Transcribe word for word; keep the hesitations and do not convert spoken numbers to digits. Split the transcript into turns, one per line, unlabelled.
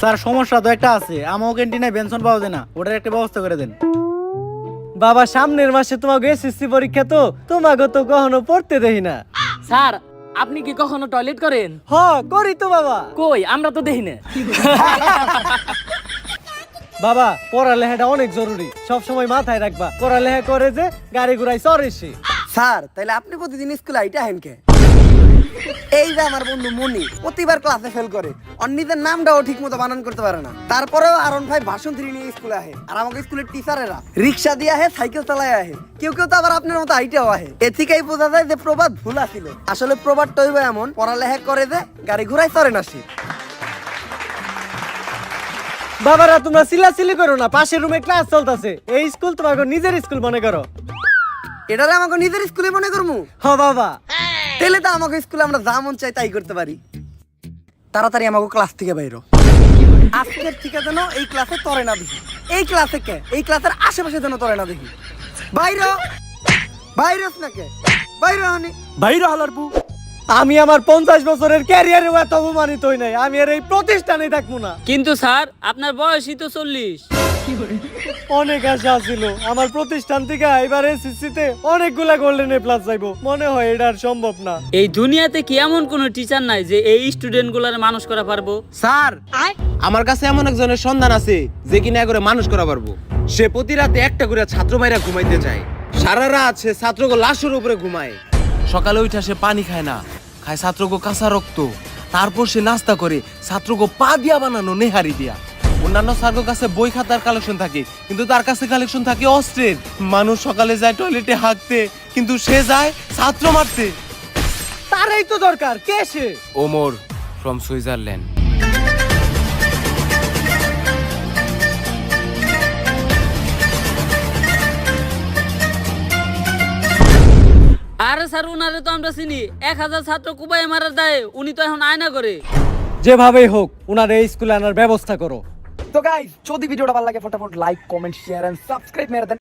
Sir সমস্যা তো একটা আছে, আমার ক্যান্টিনে বেনশন পাওয়া যায় না, ওটার একটা ব্যবস্থা করে দেন।
বাবা সামনের মাসে তোমাকে এসএসসি পরীক্ষা, তো তোমাকে তো কখনো পড়তে দেখি না।
স্যার আপনি কি কখনো টয়লেট করেন?
হ করি তো বাবা।
কই আমরা তো দেখি না।
বাবা পড়ালেখাটা অনেক জরুরি, সব সময় মাথায় রাখবা। পড়ালেখা করে যে গাড়ি ঘুরাই চড়ে সে।
স্যার তাহলে আপনি প্রতিদিন স্কুলে আইটা হেন কে? এই যে আমার বন্ধু মনি প্রতিবার ক্লাসে ফেল করে, ওর নিজের নামটাও ঠিক মতো বানান করতে পারে না, তারপরেও আরন ভাই ভাষণ থ্রি নিয়ে স্কুলে আহে। আর আমাকে স্কুলের টিচারেরা রিক্সা দিয়ে আহে, সাইকেল চালায় আহে, কেউ কেউ তো আবার আপনার মতো আইটাও আহে। এ থেকেই বোঝা যায় যে প্রবাদ ভুল আছিল। আসলে প্রবাদটা হইবে এমন, পড়ালেখা করে যে গাড়ি ঘুরাই চড়ে না সে।
বাবারা তোমরা চিল্লাচিল্লি করো না, পাশের রুমে ক্লাস চলতেছে। এই স্কুল তোমাকে নিজের স্কুল মনে করো।
এটারে আমাকে নিজের স্কুলে মনে করবো?
হ বাবা।
তাহলে তো আমাকে স্কুলে আমরা যা মন চাই তাই করতে পারি। তাড়াতাড়ি আমাকে ক্লাস থেকে বাইরো। আজকের থেকে যেন এই ক্লাসে তরে না দেখি। এই ক্লাসে কে, এই ক্লাসের আশেপাশে যেন তরে না দেখি। বাইরো বাইরস না কে, বাইরো হানি
বাইরে হলারপু। আমি আমার পঞ্চাশ বছরের ক্যারিয়ারে এত অপমানিত হই নাই, আমি আর এই প্রতিষ্ঠানে থাকবো না।
কিন্তু স্যার আপনার বয়সই তো চল্লিশ।
অনেক আশা ছিল আমার প্রতিষ্ঠান থেকে এবার এসএসসি তে অনেকগুলা গোল্ডেন এ প্লাস যাইবো, মনে হয় এটা আর সম্ভব না।
এই দুনিয়াতে কি এমন কোন টিচার নাই যে এই স্টুডেন্ট গুলার মানুষ করা পারবো?
স্যার আমার কাছে এমন একজনের সন্ধান আছে যে কিনা করে মানুষ করা পারবো। সে প্রতি রাতে একটা করে ছাত্র ভাইরা ঘুমাইতে যায়, সারা রাত সে ছাত্রগো লাশের উপরে ঘুমায়, সকালে উঠে সে পানি খায় না, খায় ছাত্রগো কাঁচা রক্ত, তারপর সে নাস্তা করে ছাত্রগো পা দিয়া বানানো নেহারি দিয়া। অন্যান্য স্যারগো কাছে বই খাতার কালেকশন থাকে, কিন্তু তার কাছে কালেকশন থাকে অস্ত্রের। মানুষ সকালে যায় টয়লেটে হাঁকতে, কিন্তু সে যায় ছাত্র মারতে।
তারই তো দরকার। কে সে?
Omar from Switzerland.
আরে স্যার উনারে তো আমরা চিনি, এক হাজার ছাত্র কুবাই মারার দায়ে উনি তো এখন আয়না করে।
যেভাবেই হোক উনার এই স্কুলে আনার ব্যবস্থা করো।
তো গাইস যদি ভিডিওটা ভালো লাগে ফটাফট like comment share and subscribe মেরে দেন।